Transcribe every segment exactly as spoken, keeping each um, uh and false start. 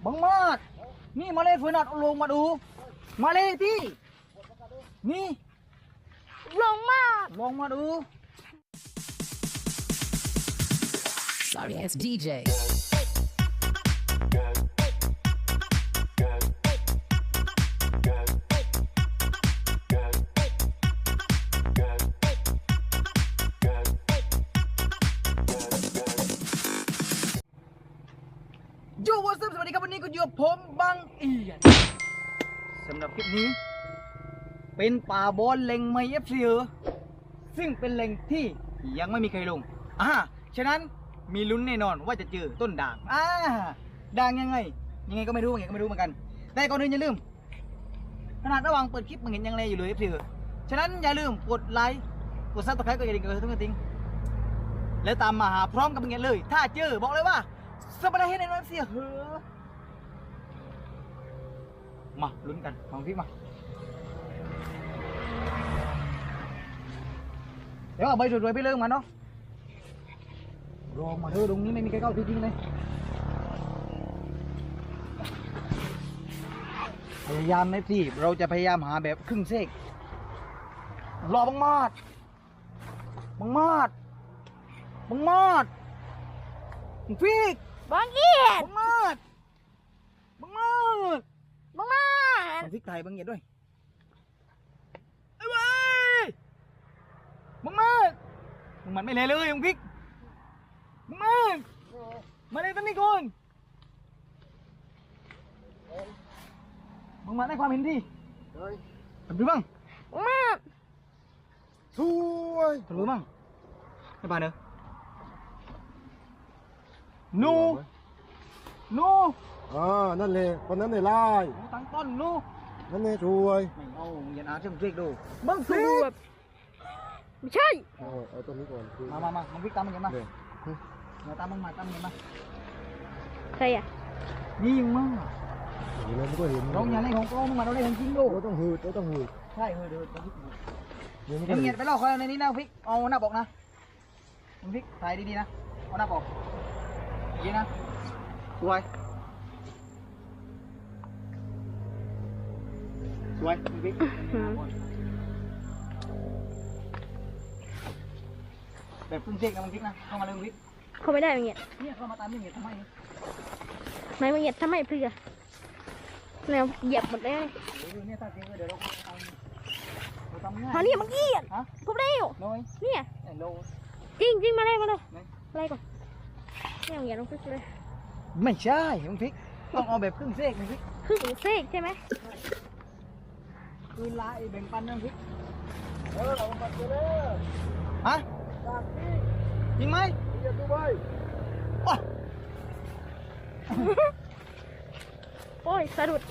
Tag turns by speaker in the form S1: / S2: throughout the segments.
S1: บังมาดนี่มาเลยฝืนนัดลงมาดูมาเลยที่นี่ลงมาลงมาดู
S2: Sorry ass ดี เจ
S1: โยวัสสวัสดีครับวันนี้ก็อยู่กับผมบังเอียนสำหรับคลิปนี้เป็นป่าบอลเล็งไมเอฟซีซึ่งเป็นเล็งที่ยังไม่มีใครลงอ่าฉะนั้นมีลุ้นแน่นอนว่าจะเจอต้นด่างอ่าด่างยังไงยังไงก็ไม่รู้ยังไงก็ไม่รู้เหมือนกันแต่ก่อนอื่นอย่าลืมขนาดระหว่างเปิดคลิปมันเห็นยังเลอยู่เลยเอฟซีฉะนั้นอย่าลืมกดไลค์กดซับสไครต์กดกระดิ่งกดทุกกระดิ่งแล้วตามมาหาพร้อมกับเงี้ยเลยถ้าเจอบอกเลยว่าสบายให้ในน้ำเสียเหอะมาลุ้นกันลองพี่มาเดี๋ยวเอาใบสวยๆไปเริ่มมาเนาะรอมาเถอะตรงนี้ไม่มีใครเข้าจริงๆเลยพยายามนะพี่เราจะพยายามหาแบบครึ่งเซกรอบังมาดบังมาดบังมาดพี่
S3: บังเอียด
S1: บังมาดบังมาด
S3: บังมาด
S1: บังพริกไทยบังเอียดด้วยไอ้เว้ยบังมาดบังมันไม่เลยเลยบังพริกบังมาดมาเลยตั้งนี่ก่อนบังมาดได้ความเห็นดีทำดูบ้าง
S3: บังมาด
S1: สวยทำดูบ้างให้ป่าเนอะนูนู
S4: อ่านั่นเลยคนนั้นเลยไล่
S1: ตั้งต้นนู
S4: นั่นเลยช่วย
S1: ไม่เอาอย่าอาช่างเรียกดู
S3: บังสูบไม่ใช่
S4: เอาเอาตัวนี้ก่อน
S1: มามามามึงพิกตามมึงเห็นไหมมาตามมึงมาตามมึงเห็นไหม
S3: ใครอ่ะ
S1: ยิงมึง
S4: เห็นแล้วมันก็เห็น
S1: เราอย่างไรของโก้มึงมาเราได้เห็นจริงดู
S4: เราต้องหืดเราต้องหืด
S1: ใช่หืดหืดเดี๋ยวเงียบไปลอกเขาในนี้นะพิกเอาหน้าบอกนะมึงพิกถ่ายดีๆนะเอาหน้าบอกดีนะสวยสวยมึงพิกแบบพึ่งเช็คนะมึงพิกนะเข้ามาเลยมึงพิก
S3: เขาไม่ได้มึงเงียด
S1: เนี่ยเข้ามาตามมึงเงียดทำไม
S3: ไม่มึงเงียดทำไมเพื่อแนวเหยียบหมดเลย
S1: เนี่ยถ้าจริงเดี๋ยวเราเอาเราทำง่าย
S3: เขาเนี่ยมึงเงียดพบเร็วเนี่ยจริงจริงมาเลยมาเลยอะไรก่อนเนี่ยมึงเงียดลงพิกเลย
S1: ไม่ใช่มึงพิกต้องเอาแบบครึ่งเซกมึงพิก
S3: ครึ่งเซกใช่ไหม
S1: คือลายแบ่งปันนะพิก
S4: เออเอามาเจอเลย
S1: ฮะยิงไหม
S4: ยิงดูไป
S3: โอ้ยสะดุด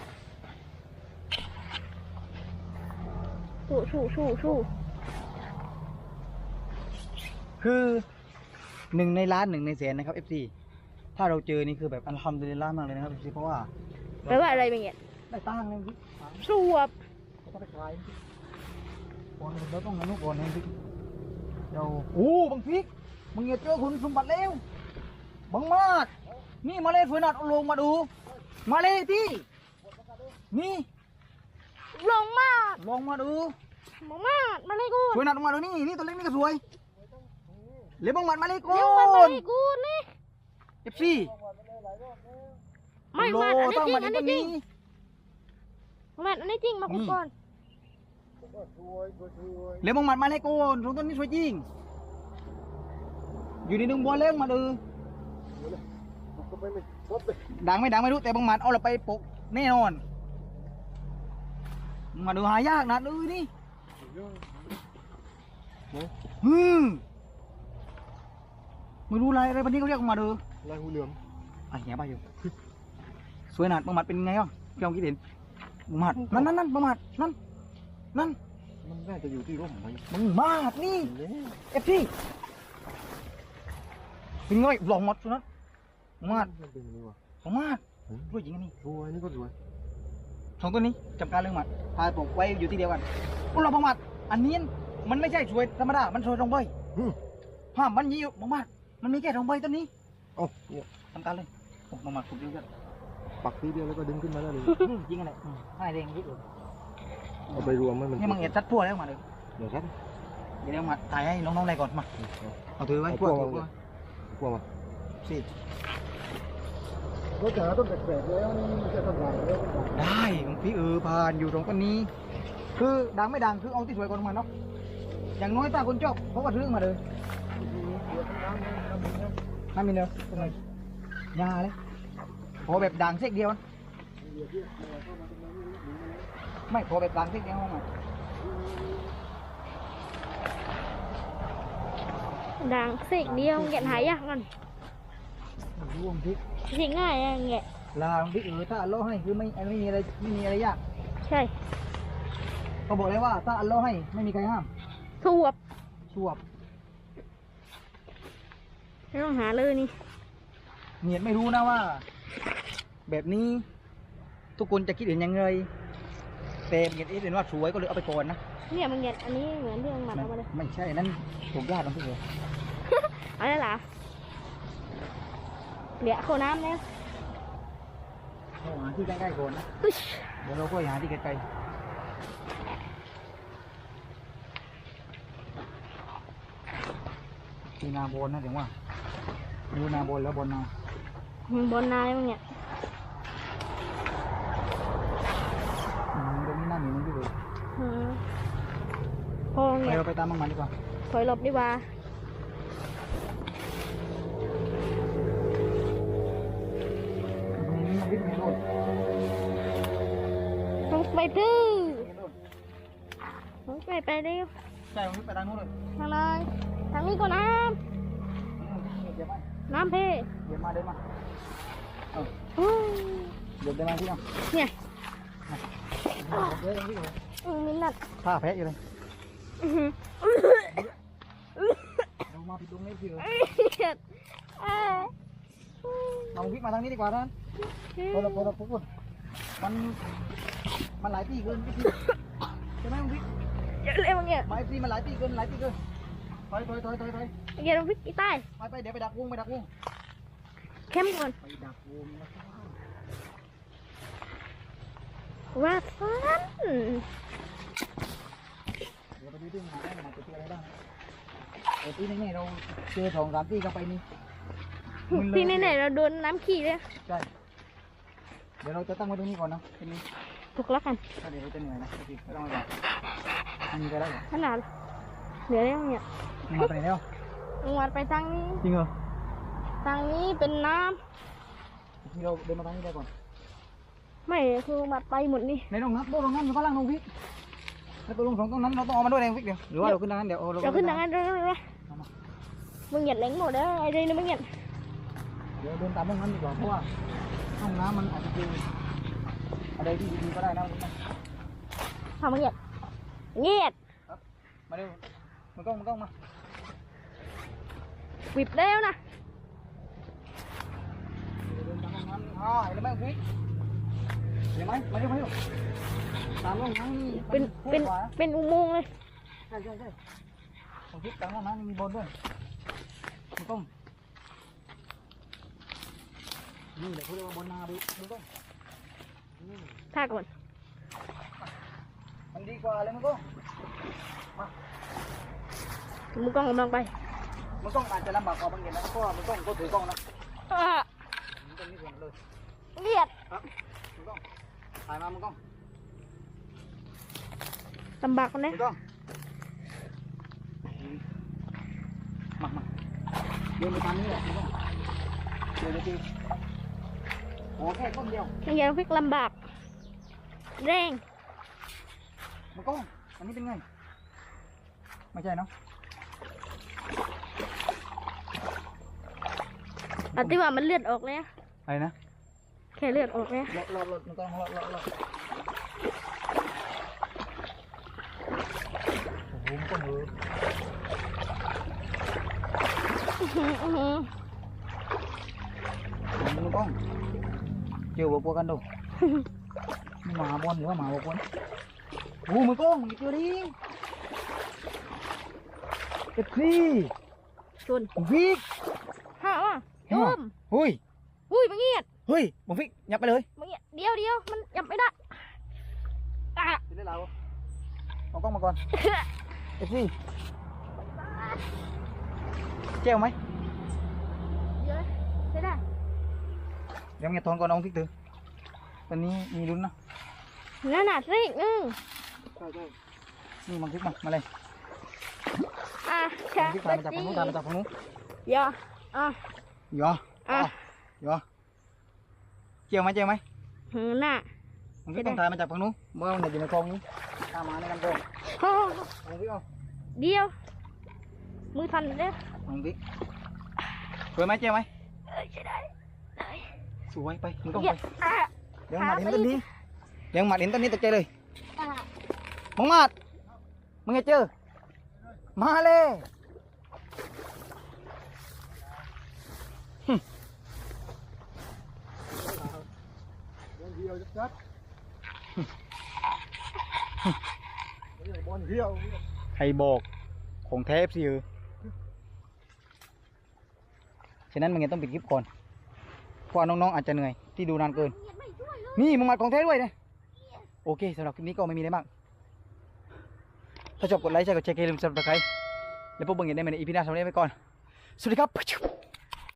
S3: ชูชูชูชู
S1: คือหนึ่งในล้านหนึ่งในแสนนะครับ เอฟ ซี ถ้าเราเจอนี่คือแบบอัลฮัมดุลิลลาห์มากเลยนะครับ เอฟ ซี เพราะว่า
S3: แปลว่าอะไรบางอย่าง
S1: ได้ตั้งเลยพี่
S3: สวบ
S1: ก็ไปขายก่อนเราต้องงั้นนู่นก่อนนะพี่เราโอ้บางพริกบางเงี้ยเจอคุณสมบัติแล้วบางมาดนี่มาเลยฝืนนัดลงมาดูมาเลยที่นี่
S3: ลงมา
S1: ลงมาดู
S3: ลงมามาเลยกู
S1: ฝืนนัดลงมาดูนี่นี่ตัวเล็กนี่ก็สวยเลี้ยบางมัดมาเลยกู
S3: เลี้ยบางมัดมาเลยกูนี่
S1: เอฟซี
S3: ไม่มาอันนี้จริงอันนี้จริงมาอันนี้จริงมาคุยก่อน
S1: เลี้ยบางมัดมาเลยกูตรงต้นนี้สวยจริงอยู่ในดงบัวเลี้ยงมาดูดังไม่ดังไม่รู้แต่บางมัดเอาเราไปปกแน่นอนมาดูหายากนะดูนี่ฮึมไม่รู้อะไรอะไรวันนี้เขาเรียกมาดู
S4: ลายหูเหลือม
S1: อ่ะแย่ไปอยู่สวยหนาดบางมัดเป็นไงอ่ะพี่องคิดเห็นบางมัดนั่นนั่นนั่นบางมัดนั่นนั่น
S4: มันน่าจะอยู่ที่ร่มไหม
S1: บางมัดนี่เอฟซีเป็นไงหลงหมดสุดนั้นมาดของมาดด้วยจริงนี่
S4: สวยนี่ก็สวย
S1: สองตัวนี้จำการเรื่องมัดพาปลูกไว้อยู่ที่เดียวกันพวกเราบางมัดอันนี้มันไม่ใช่สวยธรรมดามันสวยตรงใบห้ามมันยี่บางมัดมันมีแค่ตรงใบต้นนี้
S4: โอ้เนี่ย
S1: จำการเลยบางมัดปลูกเดียวกัน
S4: ปักทีเดียวแล้วก็ดึงขึ้นมาได้เลย
S1: อืมจริงอะไรอืมให้เร่งนิดเดียว
S4: เอาไปรวมให้มัน
S1: นี่มึงเอ็ดซัดพั่วแล้วมาเลย
S4: เดี๋ยวครับ
S1: เดี๋ยวมาถ่ายให้น้องๆได้ก่อนมาเอาถือไว้พั่วถือพั่ว
S4: กลัวมา
S1: สิ
S4: รถจ๋าต้องแปลกๆแล้วนี่มันจะทำงานแล้ว
S1: ได้หลวงพี่เออผ่านอยู่ตรงต้นนี้ คือดังไม่ดังคือเอาที่สวยก่อนมาเนาะอย่างน้อยถ้าคนชอบเขาก็ซื้อมาเลยไม่มีเนอะทำไมยาเลยขอแบบดังเส้นเดียวนะไม่ขอแบบดังเส้นเดียวมา
S3: ดังเสกเดียวแกะหายากมัน
S1: ร่วมพริก
S3: เสกง่ายอะแกะ
S1: ลาพริกเออถ้าอัลเลาะห์ให้คือไม่ไม่มีอะไรไม่มีอะไรยาก
S3: ใช่
S1: เขาบอกเลยว่าถ้าอัลเลาะห์ให้ไม่มีใครห้าม
S3: สวบ
S1: ชวบ
S3: ไม่ต้องหาเลยนี่
S1: เนียดไม่รู้นะว่า แบบนี้ ทุกคนจะคิดเห็นยังไงแต่เนียดเห็นว่าสวยก็เลยเอาไปก่อนนะ
S3: เนี่ยมันแกะอันนี้เหมือนที่มันหมัก
S1: ไม่
S3: เอามาเลย
S1: ไม่ใช่นั่นถูกญาติของพี่เอ
S3: เอาได้หรอเดี๋ยวเข้าน้ำแล้ว
S1: เราหาที่ใกล้ๆก่อนนะ
S3: อุ๊ย
S1: เดี๋ยวเราก็หาที่ไกลๆที่นาบนนะถึงว่าดูนาบนแล้วบนนา
S3: มันบนนายมันเนี่ย
S1: อืมตรงนี้น่าหนีมันพี่เอ
S3: อืมพอ
S1: ไป
S3: เนี่ย
S1: เราไปตามมันมันดีกว่า
S3: ถอยหลบดีกว่า
S1: อืมมันวิ่งในรถ
S3: ต้องไปดื้อ
S1: ในรถ
S3: ต้องไปไปเร็ว
S1: ใช่มันวิ่งไปทางนู้นเลย
S3: ทางเลยทางนี้ก็น้
S1: อืมเดี๋ยวมา
S3: ำน้ำเพ
S1: เดี๋ยวมาเดี๋ยวมาเออ
S3: อู้
S1: เดี๋ยวเดี๋ยวมาที่นั่น
S3: เนี่ย
S1: เดี๋ยวเดี๋ยวพี่เอ
S3: อืมมินนัด
S1: ผ้าแพะอยู่เลย
S3: อื้อหือ
S1: เรามาผิดตรงนี้พี่เอ
S3: เอ็ดเอ้ย
S1: เราวิ่งมาทางนี้ดีกว่าท่านพอเราพอเราปุ๊บมัน มันหลายปีเกินพี่ใช่ไหมมึงพี่
S3: เดี๋ยวเร็วเนี่ย
S1: มาไอ้ปีมันหลายปีเกินหลายปีเกินถอยถอยถอยถอยถอย
S3: เดี๋ยวเราพิกอีใต้
S1: ไปไปเดี๋ยวไปดักวงไปดักวง
S3: เข้มก่อน
S1: ไปดักวงนะ
S3: ว่าฟัน
S1: เดี๋ยวไปดูที่มันหาได้มันจะเจออะไรบ้างเออปีนี้เราเจอสองสามปีก็ไปนี่
S3: ที่ไหนๆเราโดนน้ำขี้เลย
S1: ใช่เดี๋ยวเราจะตั้งไว้ตรงนี้ก่อนนะทีนี้
S3: ถูกแล้วกัน
S1: ถ้าเดี๋ยวเราจะเหนื่อยนะพี่ไม่ต้องมามีไปแล้วเหรอ
S3: ขนาดเดี๋ยวเร็วเนี่ย
S1: มึงมาไปไหนแล้ว
S3: ลงมาไปทางนี้
S1: จริงเหรอ
S3: ทางนี้เป็นน้
S1: ที่เราเดินมาทางนี้ได้ก่อน
S3: ำไม่คือมาไปหมดนี่
S1: ในตรงนั้นโบตรงนั้นอยู่ข้างล่างตรงพี่แล้วตัวลงสองตรงนั้นเราต้องเอามาด้วยเองพี่เดี๋ยวหรือว่าเราขึ้นทางนั้นเดี๋ยวเอา
S3: เราขึ้นทางนั้นเลยเลยมึงเหยียดเล้งหมดแล้วไอ้เรื่องนี้มึงเหยียด
S1: เดี๋ยวเดินตามห้องน้ำดีกว่าเพราะว่าห้องน้ำมันอาจจะเป็นอะไรที่ดีๆก็ได้นะ
S3: ทำมึงเหยียดเหยียด
S1: มาเร็วมันกล้องมันกล้องมา
S3: วิบแล้วนะ
S1: เดินตามห้องน้ำอ๋อเห็นไหมพี่เห็นไหมมาเร็วมาเร็วตามห้องน้ำนี่
S3: เป็นเป็นเป็นอุโมงค์เลย
S1: ใช่ใช่ใช่ผมคิดตามห้องน้ำมีบอลด้วยมันกล้องนี่เดี๋ยวเขาเรียกว่าบอลนาดูมันกล้อง
S3: ท่าก่อน
S1: มันดีกว่าเลยมันกล้อง
S3: มึงกล้องกำลังไป
S1: มันกล้องอาจจะลำบากกว่าบางอย่างนะเพราะว่ามันกล้องก็ถือกล้องนะ
S3: อ่า
S1: มันต้องนี่ก่อนเลย
S3: เหยียด
S1: ครับมันกล้องถ่ายมามันกล้อง
S3: ลำบากกัน
S1: มั
S3: นะ
S1: นกล้องมามาเดินไปตามนี้แหละมันกล้องเดินไปทีโอ้แค่ต้นเดียว
S3: เหยียดพิกลำบากแรง
S1: มันกล้องอันนี้เป็นไงไม่ใช่เนาะ
S3: อันที่ว่ามันเลือดออกเลย
S1: อะไรนะ
S3: แค่เลือดออกเลย
S1: รอรอรอมันกล้องรอรอรอโอ้โหมันกล้องเลย มันกล้องเจอวัวปัวกันดูหมาบอลหรือว่าหมาวัวปัวโอ้มันกล้องมันเจอดิเอ็ดซี่
S3: ชน
S1: วิก
S3: ห้าว่ะโยม
S1: หุ้ย
S3: อุ้ยมึงเหยียด
S1: เฮ้ยบงฟิกยับไปเลย
S3: มึงเนี่ยเดียวเดียวมันยับไม่ได้อ่ะ
S1: จะได้เราเอากล้องมาก่อนเอฟซีเจ้าไหม
S3: เดี๋ยวใช่ได้
S1: เดี๋ยวเงี้ยทอนก่อนน้องฟิกตือตอนนี้มีลุ้นนะ
S3: นั่นน่ะสิอืม
S4: ใช่ใช่
S1: นี่บงฟิกมามาเลย
S3: อ่ะ
S1: บ
S3: ใช่
S1: งฟิกตามมาจากฝั่งนู้นตามมาจากฝั่งนู้น
S3: เดี๋ยวอ่ะ
S1: หยอ
S3: อ่ะ
S1: หยอเจียวไหมเจียวไหม
S3: หือน่ะ
S1: บงฟิกต้องตามมาจากฝั่งนู้นเมื่อมันอยู่ในคลองนี้ตามมาในกันโกง
S3: โอ้
S1: บงฟิกเอา
S3: เดียวมือสั่นเลย
S1: บงฟิกสวยไหมเจียวไหม
S3: เอ้ยใช่ได้ได้
S1: สวยไปมึงต้อง
S3: เดี๋
S1: ไป
S3: ยวอ่ะ
S1: เดี๋ยวมาเห็นต้นนี้เดี๋ยวมาเห็นต้นนี้ตกใจเลย
S3: อ่ะ
S1: มึงมาดมึงไงเจอมาเลยหึ
S4: บอลเดียวจัดบอลเดียว
S1: ใครบอกของแท้สิเออฉะนั้นมึงยังต้องปิดคลิปก่อนเพราะว่าน้องๆอาจจะเหนื่อยที่ดูนานเกิน
S3: เงียบไม่ช่วยเลย
S1: นี่มึงมาของแท้ด้วยนะโอเคสำหรับคลิปนี้ก็ไม่มีอะไรมากถ้าชอบกดไลค์ใช่กดแชร์อย่าลืมซับสไครต์แล้วพวกมึงอย่าได้มาในอีพีหน้าสำหรับวันนี้ไปก่อนสวัสดีครับ